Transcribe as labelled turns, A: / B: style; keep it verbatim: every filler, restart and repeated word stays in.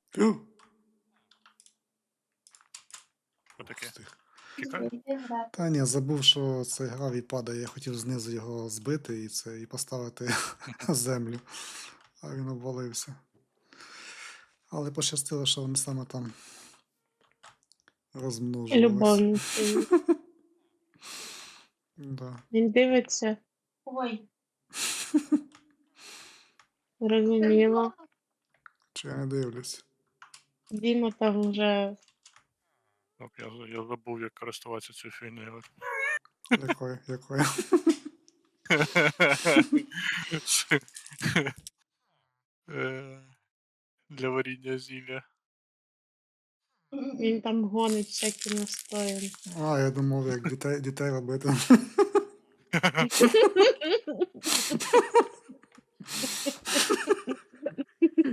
A: Що таке?
B: Встиг.
A: Тікай?
B: Та ні, забув, що цей гравій падає. Я хотів знизу його збити і це, і поставити землю, а він обвалився. Але пощастило, що вони саме там розмножувались.
C: Любовницею.
B: Да.
C: Він дивиться.
D: Ой.
C: Розуміло.
B: Чи я не дивлюсь?
C: Діма там вже
A: Так, я, за- я забув, як користуватися цією фігнею.
B: Якою? Якою?
A: Е, Для варіння зілля.
C: він там гонить всякі настоянки.
B: А, я думав, як дітей, дітей робити.